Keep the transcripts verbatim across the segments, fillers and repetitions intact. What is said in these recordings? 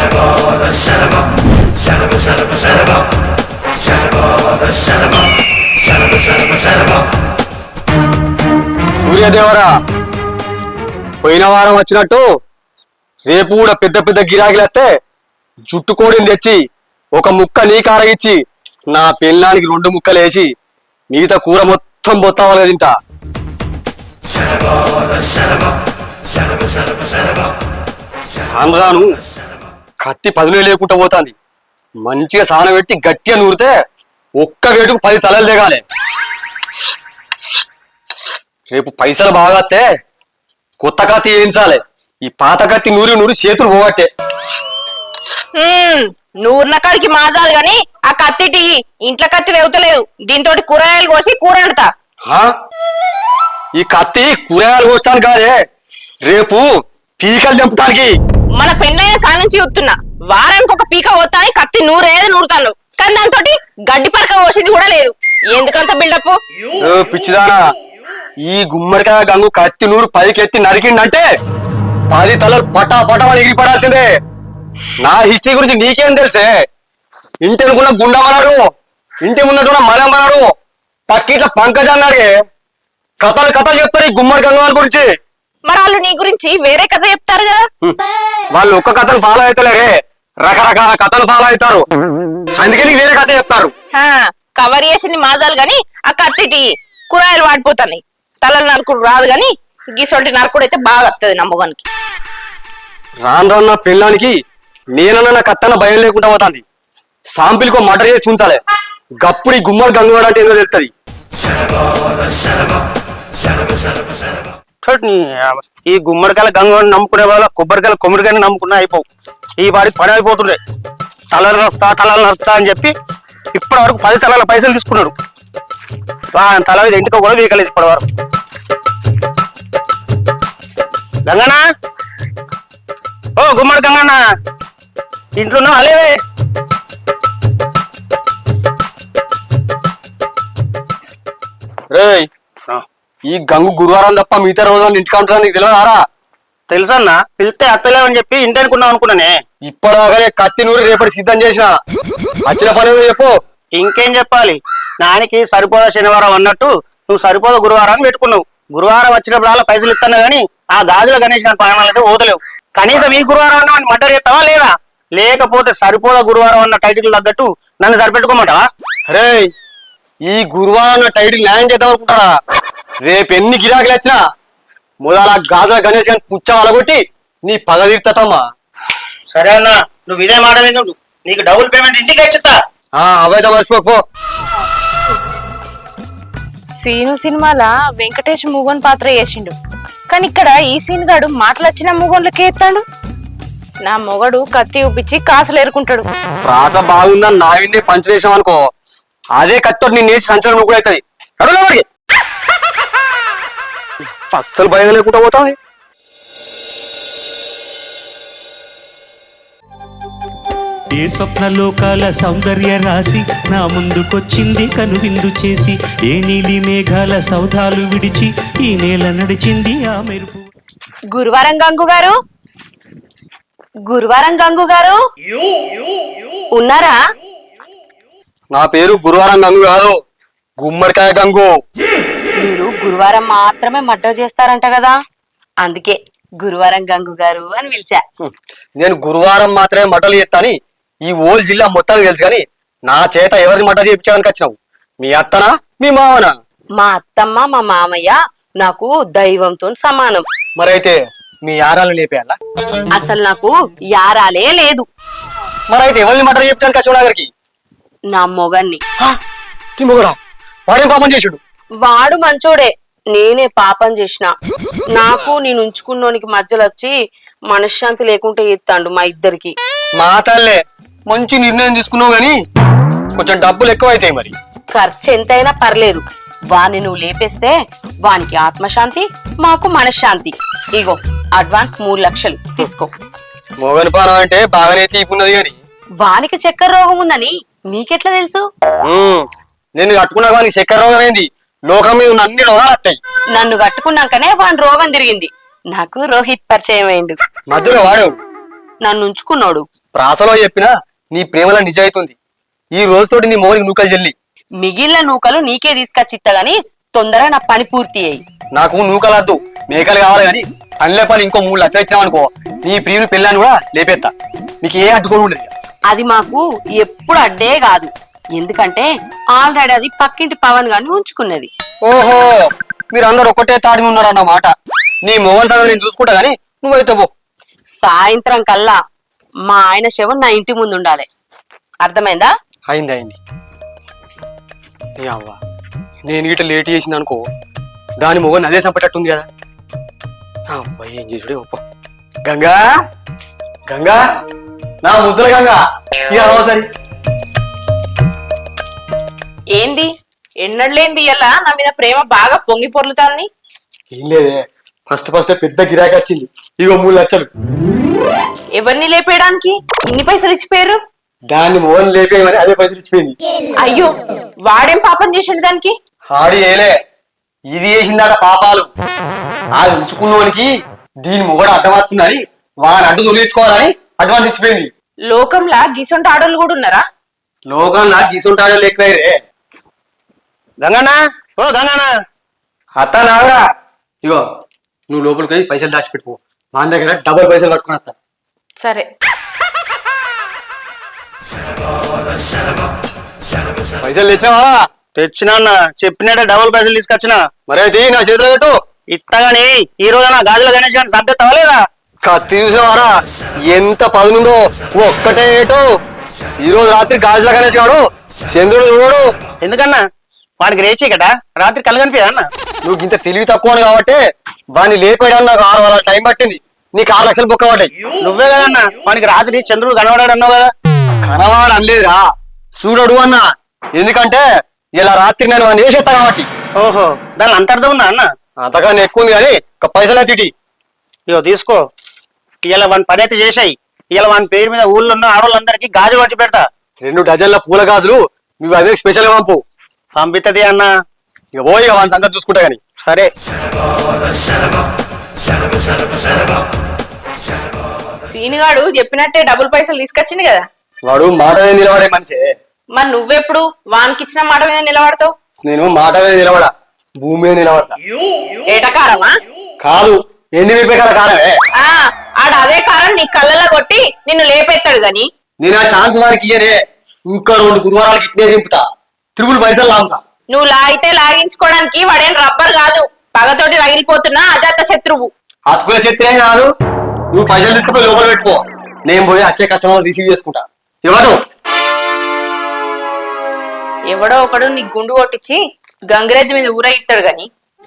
సూర్యదేవరా, పోయిన వారం వచ్చినట్టు రేపు కూడా పెద్ద పెద్ద గిరాకీలస్తే జుట్టు కోడిని తెచ్చి ఒక ముక్క నీ కారగిచ్చి నా పెళ్ళానికి రెండు ముక్కలు వేసి మిగతా కూర మొత్తం బొత్తావాలి తింటా. రాను కత్తి పదునే లేకుండా పోతాంది. మంచిగా సానం పెట్టి గట్టిగా నూరితే ఒక్క వేటుకు పది తలలు దిగాలి. రేపు పైసలు బాగాస్తే కొత్త కత్తి వేయించాలి. ఈ పాత కత్తి నూరి నూరి చేతులు పోగట్టే. నూరిన కాడికి మాజాలు గాని ఆ కత్తిటి ఇంట్లో కత్తి వెవుతలేదు. దీంతో కూరగాయలు కోసి కూర వండుతా. ఈ కత్తి కూరగాయలు కోసడానికి కాదే, రేపు పీకలు తెంపడానికి. మన పెళ్ళైన కాడ నుంచి చూస్తున్నా వారానికి ఒక పీక పోతాని కత్తి నూరేది నూరుతాను, కానీ దాంతో గడ్డి పరక పోసింది కూడా లేదు. ఎందుకంత బిల్డప్? పిచ్చిదానా, ఈ గుమ్మడికాయ గంగు కత్తి నూరు పైకెత్తి నరికిండంటే పది తలలు పటా పటమని ఎగిరిపడాల్సిందే. నా హిస్టరీ గురించి నీకేం తెలుసే? ఇంటి అనుకున్న గుండమన్నాడు, ఇంటి ముందటున్న మలమన్నాడు, పక్కిట్ల పంకజ అన్నాడే. కథలు కథలు చెప్తారు ఈ గుమ్మడి గంగవాని గురించి. మరి వాళ్ళు నీ గురించి వేరే కథ చెప్తారు కదా. వాళ్ళు ఒక్క కథలు ఫాలో అవుతలేరే, రకరకాల కథలు ఫాలో అవుతారు. అందుకే నీకు వేరే కథ చెప్తారు. కవర్ చేసింది మాజాలు గాని ఆ కత్తిటి కూరగాయలు వాడిపోతాయి. తలలు నరుకుడు రాదు గాని గీసొంటి నరుకుడు అయితే బాగా వస్తుంది నమ్మగానికి. రాను రాన్న పెళ్ళానికి నేనన్న కత్తన్న భయం లేకుండా పోతాంది. సాంపిల్కో మటర్ చేసి ఉంచాలి. గప్పుడు ఈ గుమ్మడి గంగవాడు అంటే ఏదో తెలుస్తుంది. ఈ గుమ్మడికాయల గంగవాడిని నమ్ముకునే వాళ్ళ కొబ్బరికాయల కొమ్మడికాయని నమ్ముకున్నా అయిపోవు. ఈ వాడికి పని అయిపోతుండే. తలలు నరుస్తా తలలు నరుస్తా అని చెప్పి ఇప్పటి వరకు పది తలాల పైసలు తీసుకున్నాడు. తల మీద ఇంటికో కూడా వీకలేదు ఇప్పటి వరకు. గంగనా, ఓ గుమ్మడి గంగన్న, ఇంట్లో అలే రే, ఈ గంగు గురువారం తప్ప మిగతా రోజులు ఇంటికి ఉంటారా నీకు తెలియదారా? తెలుసన్నా, పిలిస్తే అత్తలేవని చెప్పి ఇంటి అనుకున్నావు అనుకున్నానే. ఇప్పటిదాకానే కత్తి నూరి రేపటి సిద్ధం చేసిన. వచ్చిన పని చెప్పు. ఇంకేం చెప్పాలి, నానికి సరిపోదా శనివారం అన్నట్టు నువ్వు సరిపోదా గురువారం అని పెట్టుకున్నావు. గురువారం వచ్చినప్పుడు అలా పైసలు ఇస్తాను గానీ ఆ గాజుల గణేష్ గారి పయనాలు అయితే ఓదలేవు. కనీసం ఈ గురువారం అన్న మర్డర్ చేస్తావా లేదా? లేకపోతే సరిపోదా గురువారం అన్న టైటిల్ తగ్గట్టు నన్ను సరిపెట్టుకోమంటావా? అరే, ఈ గురువారం అన్న టైటిల్ న్యాయం చేద్దాం అనుకుంటారా? రేపు ఎన్ని గిరాకీలు వచ్చినా మొదల గాజుల గణేష్ గారిని పుచ్చ అలగొట్టి నీ పగ తీర్తమ్మా. సరే అన్న, నువ్వు ఇదే మాట మీద నీకు డబుల్ పేమెంట్ ఇంటికి ఇచ్చేస్తా. అవైతే మర్చిపోపో. సీను సినిమాల వెంకటేష్ మూగోన్ పాత్ర చేసిండు, కానీ ఇక్కడ ఈ సీన్ గాడు మాటలచ్చిన మూగోన్లకే ఎత్తాడు. నా మొగడు కత్తి ఊపించి కాసులు ఏరుకుంటాడు. ప్రాస బాగుందని నా విన్నే పంచు వేసాం అనుకో, అదే కత్తితో నేను వేసి సంచలనం నువ్వు అవుతుంది. అడుగులవాడికి అస్సలు భయం లేకుండా పోతావు. ఏ స్వప్నలోకాల సౌందర్య రాశి నా ముందుకొచ్చింది కనువిందు చేసి, ఏ నీలి మేఘాల సౌధాలు విడిచి ఈ నేల నడిచింది ఆ మెరుపు. గురువారం గంగు గారు, గురువారం గంగు గారు ఉన్నారా? నా పేరు గురువారం గంగు కాదు, గుమ్మడికాయ గంగు. మీరు గురువారం మాత్రమే మర్డర్ చేస్తారంట కదా, అందుకే గురువారం గంగు గారు అని పిలిచా. నేను గురువారం మాత్రమే మటలు చేస్తాని ఈ ఓల్ జిల్లా మొత్తానికి తెలుసు, కానీ నా చేత ఎవరిని మటలు చేయించడానికి వచ్చినావు? మీ అత్తనా మీ మావనా? మా అత్తమ్మ మా మామయ్య నాకు దైవంతో సమానం. మరైతే మీ యారాలు లేపేయాలా? అసలు నాకు యారాలే లేదు. మరైతే ఎవరిని మటలు చేయించడానికి వచ్చావు దగ్గరికి? నా మొగన్ని. వాడేం పాపం చేసాడు? వాడు మంచోడే, నేనే పాపం చేసిన. నాకు నేను ఉంచుకున్నోనికి మధ్యలో వచ్చి మనశ్శాంతి లేకుంటే ఎత్తాండు మా ఇద్దరికి. మా తల్లే మంచి నిర్ణయం తీసుకున్నావు, గాని కొంచెం డబ్బులు ఎక్కువ అవుతాయి. మరి ఖర్చు ఎంతైనా పర్లేదు, వాణ్ణి నువ్వు లేపేస్తే వానికి ఆత్మశాంతి, మాకు మనశ్శాంతి. ఇగో అడ్వాన్స్ మూడు లక్షలు తీసుకో. మోగని పానం అంటే బాగానే తీపున్నది, గాని వానికి చక్కెర రోగం ఉందని నీకెట్లా తెలుసు? నేను కట్టుకున్నా కానీ చక్కెర రోగం ఏంది? లోకం మీద ఉన్న అన్ని రోగాలు వస్తాయి. నన్ను కట్టుకున్నాకనే వాని రోగం తిరిగింది. నాకు రోహిత్ పరిచయం అయిండు. మధ్యలో వాడు నన్ను ఉంచుకున్నాడు. ప్రాసలో చెప్పినా నీ ప్రేమలో నిజాయితుంది. ఈ రోజుతోటి నీ మోనికి నూకలు చెల్లి. మిగిలిన నూకలు నీకే తీసుకొచ్చిత్తా గాని తొందరగా నా పని పూర్తి అయ్యి. నాకు నూకలద్దు, మేకలు కావాలి కానీ పనిలే పని ఇంకో మూడు లక్షలు ఇచ్చినావనుకో నీ ప్రియుని పెళ్ళాన్ని కూడా లేపేస్తా. నీకు ఏ అడ్డుకోడు ఉండదు. అది మాకు ఎప్పుడు అడ్డే కాదు, ఎందుకంటే ఆల్రెడీ అది పక్కింటి పవన్ గాని ఉంచుకున్నది. ఓహో, మీరు అందరు ఒక్కటే తాడి ఉన్నారన్నమాట. నీ మొగన్ సంగతి నేను చూసుకుంటా గానీ నువ్వైతే పో. సాయంత్రం కల్లా మా ఆయన శవం నా ఇంటి ముందు ఉండాలి, అర్థమైందా? అయింది అయింది. ఏ అవ్వ, నేను ఇట లేట్ చేసింది అనుకో దాని మొగన్ అదే చంపేటట్టుంది కదా. అబ్బాయి ఏం చేసుడే ఒప్ప. గంగా గంగా నా ముద్దుల గంగా ఇక సరి. ఏంది ఎన్నడలేంది ఇలా నా మీద ప్రేమ బాగా పొంగి పొర్లుతాంది. ఏం లేదే, ఫస్ట్ ఫస్ట్ పెద్ద గిరాకీ వచ్చింది. ఇగో మూడు లక్షలు. ఎవరిని లేపేయడానికి ఇన్ని పైసలు ఇచ్చిపోయారు? దాన్ని మోహన్ లేపేయమని అదే పైసలు ఇచ్చిపోయింది. అయ్యో, వాడేం పాపం చేసిండు దానికి? హాడి ఏలే, ఇది చేసిందాట పాపాలు. ఆ ఉంచుకున్నోనికి దీని మొగడు అడ్డమవుతుందని వాని అడ్డు తొలిచుకోవాలని అడ్వాన్స్ ఇచ్చిపోయింది. లోకంలా గిసొంటి ఆడోళ్ళు కూడా ఉన్నారా? లోకంలా గీసుంటాడో ఎక్కువైరే. గంగన్నా, ఓ గంగన్నా, అత్త నావరా, ఇగో నువ్వు లోపలికి పోయి పైసలు దాచిపెట్టుకో. మా దగ్గర డబుల్ పైసలు పట్టుకుని వస్తా. సరే. పైసలు తెచ్చావా? తెచ్చినా అన్న, చెప్పినట్టే డబుల్ పైసలు తీసుకొచ్చినా. మరైతే నా చేతిలో పెట్టు. ఇత్తగాని ఈ రోజు నా గాజుల గణేష్ గారిని సభ్యతవా లేదా? కత్తి చూసావారా ఎంత పదునుందో, ఒక్కటే ఏటో. ఈ రోజు రాత్రి గాజుల గణేష్ గాడు చంద్రుడు చూడు. ఎందుకన్నా వాడికి రేచి కదా రాత్రి కళ్ళు కనిపించా అన్న? నువ్వు ఇంత తెలివి తక్కువ కాబట్టి వాడిని లేపేయడానికి నాకు ఆరు వారాల టైం పట్టింది. నీకు ఆరు లక్షలు బొక్క పడ్డాయి. నువ్వే కదన్నా వాడికి రాత్రి చంద్రుడు కనబడాడు అన్నావు కదా. కనవాడు అనలేదురా, చూడడు అన్నా. ఎందుకంటే ఇలా రాత్రి నేను వాడిని వేసేస్తా కాబట్టి. ఓహో, దాని అంతర్థం ఉందా అన్న? అంతకన్నా ఎక్కువ ఉంది కానీ ఒక పైసలు తిటి. ఇగో తీసుకో, ఇలా వాని పని అయితే చేసాయి. ఇలా వాని పేరు మీద ఊళ్ళో ఉన్న ఆడవాళ్ళందరికీ గాజులు వచ్చి పెడతా. రెండు డజన్ల పూల గాజులు నువ్వు అదే స్పెషల్ గా పంపు. పంపిస్తుంది అన్న. ఇక పోయి ఇక వాని సంగతి చూసుకుంటా గాని. సరే. సీనుగాడు చెప్పినట్టే డబుల్ పైసలు తీసుకొచ్చింది కదా. వాడు మాట మీద నిలబడే మనిషే. మరి నువ్వెప్పుడు వానికిచ్చిన మాట మీద నిలబడతావు? నేను మాట మీద నిలబడా, భూమి మీద నిలబడతా. ఏటకారమా? కాదు, ఎన్ని రూపాయల కారమే. ఆ ఆడ అదే కారం నీ కళ్ళలో కొట్టి నిన్ను లేపెత్తాడు గాని. నేను ఆ ఛాన్స్ వారికి ఇయ్యనే. ఇంకా రెండు గురువారాలకి ఇట్నే దింపుతా, త్రిపుల్ పైసలు లాగుతా. నువ్వు లాగితే లాగించుకోవడానికి వాడేం రబ్బర్ కాదు, పగతోటి రగిలిపోతున్నా అజాత శత్రువు. అతుకుల శక్తి కాదు. నువ్వు పైసలు తీసుకుపోయి లోపల పెట్టుకో, నేను పోయి వచ్చే కస్టమర్ రిసీవ్ చేసుకుంటా. ఎవరు? ఎవడో ఒకడు నీ గుండు కొట్టించి గంగిరెద్దు మీద ఊరేగిస్తాడు గాని.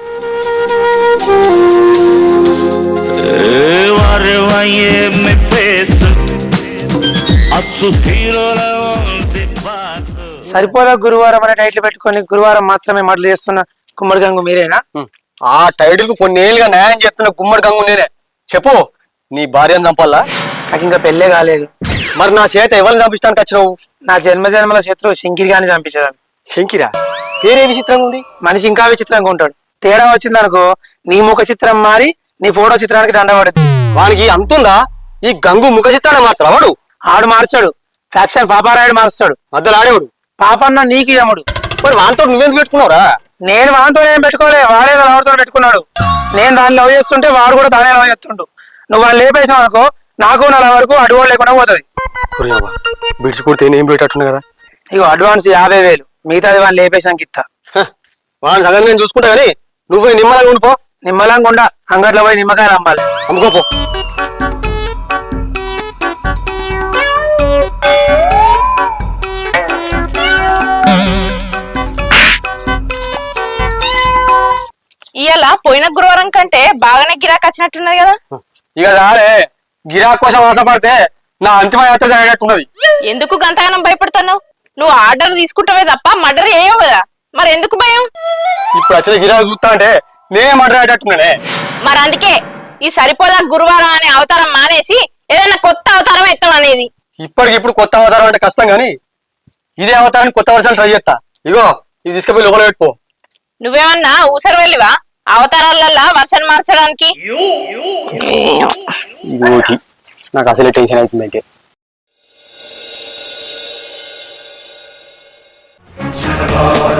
సరిపోదా గురువారం అనే టైటిల్ పెట్టుకొని గురువారం మాత్రమే మడలు చేస్తున్న గుమ్మడి గంగు మీరేనా? ఆ టైటిల్ కు కొన్ని ఏళ్ళుగా న్యాయం చేస్తున్న గుమ్మడి గంగు నేనే. చెప్పు, నీ భార్యను చంపాలా? నాకు ఇంకా పెళ్ళే కాలేదు. మరి నా చేత ఎవరిని చంపించడానికి వచ్చినావు? నా జన్మ జన్మల శత్రువు శంకిరి గాని చంపించదాన్ని. శంకిరా? పేరే విచిత్రంగా ఉంది. మనిషి ఇంకా విచిత్రంగా ఉంటాడు. తేడా వచ్చిందనుకో నీ ముఖ చిత్రం మారి నీ ఫోటో చిత్రానికి దండపడుద్ది. వానికి అంతుందా? ఈ గంగు ముఖ చిత్రాన్ని మాత్రం వాడు ఆడు మార్చాడు, ఫ్యాక్షన్ పాపారాయుడు మారుస్తాడు. మధ్యలో ఆడేవాడు పాపన్న నీకు యముడు. మరి వాంతో నువ్వెందుకు పెట్టుకున్నావురా? నేను వాంతో ఏం పెట్టుకోలే, వాడే ఎవరితో పెట్టుకున్నాడు. నేను దాన్ని లవ్ చేస్తుంటే వాడు కూడా దానే లవ్ చేస్తుండు. నువ్వు వాళ్ళు లేపేసావు అనుకో నాకు నా వరకు అడ్వాన్స్ లేకుండా పోతుంది. బిడ్స్ కొడితే ఏం పెట్టట్టున్నా కదా. ఇగో అడ్వాన్స్ యాభై వేలు, మిగతాది వాళ్ళు లేపేసానికి ఇస్తా. వాడి సంగతి నేను చూసుకుంటా కానీ నువ్వు పోయి నిమ్మలంగా ఉండిపో. నిమ్మలంగా ఉండా, అంగట్లో పోయి నిమ్మకాయలు అమ్మాలి. అమ్ముకోపో. ఇవాళ పోయిన గురువారం కంటే బాగానే గిరాకీ వచ్చినట్టున్నది కదా. ఇక రాలే, గిరాక్ కోసం ఆశపడితే నా అంతిమ యాత్ర జరిగేటట్టున్నది. ఎందుకు గంతగానం భయపడుతున్నావు? నువ్వు ఆర్డర్ తీసుకుంటావే తప్ప మర్డర్ చేయవు కదా, మరి ఎందుకు భయం? ఇప్పుడు వచ్చిన గిరాకు చూస్తా అంటే నేనే మర్డర్ అయ్యేటట్టున్నానే. మరి అందుకే ఈ సరిపోదా గురువారం అనే అవతారం మానేసి ఏదైనా కొత్త అవతారం ఎత్తాం అనేది. ఇప్పటికి ఇప్పుడు కొత్త అవతారం అంటే కష్టం గానీ ఇదే అవతారాన్ని కొత్త వర్షాలు ట్రై చేస్తా. ఇగో ఇది తీసుకుపోయి లోపల పెట్టుకో. నువ్వేమన్నా ఊసరు వెళ్ళివా అవతారాలల్లా వర్షం మార్చడానికి? నాకు అసలే టెన్షన్ అవుతుంది. అయితే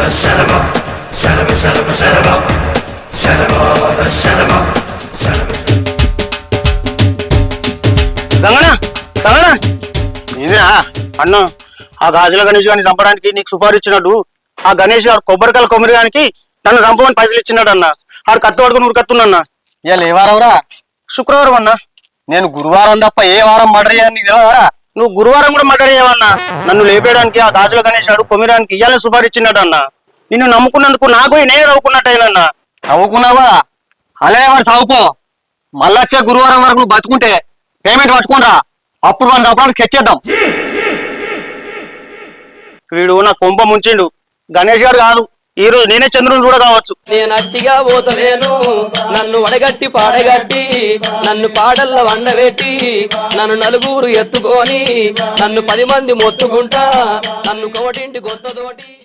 గంగనా గంగనా ఇదిరా అన్న ఆ గాజుల గణేష్ గారిని చంపడానికి నీకు సుఫారు ఇచ్చినట్టు ఆ గణేష్ గారు కొబ్బరికాయల కొమ్మరిగానికి నన్ను చంపమని పైసలు ఇచ్చినాడు అన్న ఆడు కత్తి పడుకుని ఊరు కత్తున్నా ఇవాళ ఏ వారంరా? శుక్రవారం అన్న. నేను గురువారం తప్ప ఏ వారం మర్డర్ చేయని నీకు తెలియదారా? నువ్వు గురువారం కూడా మర్డర్ చేయవన్నా. నన్ను లేపేయడానికి ఆ గాజుల గణేష్ గారు కొమ్మిరానికి ఇయ్యాలని సుఫారు ఇచ్చినాడు అన్న. నిన్ను నమ్ముకున్నందుకు నాకు నేనే నవ్వుకున్నట్టయినన్నా. నవ్వుకున్నావా? అలానే వాడు సాగుపో. మళ్ళొచ్చే గురువారం వరకు నువ్వు బతుకుంటే పేమెంట్ పట్టుకోనరా, అప్పుడు మనం చంపడానికి స్కెచ్ చేద్దాం. వీడు నా కొంప ముంచిండు. గణేష్ గారు కాదు, ఈ రోజు నేనే చంద్రుని చూడ కావచ్చు. నేను అట్టిగా పోతలేను, నన్ను వడగట్టి పాడగట్టి, నన్ను పాడల్ల వండబెట్టి, నన్ను నలుగురు ఎత్తుకొని, నన్ను పది మంది మొత్తుకుంటా, నన్ను కోటింటి గొత్తతోటి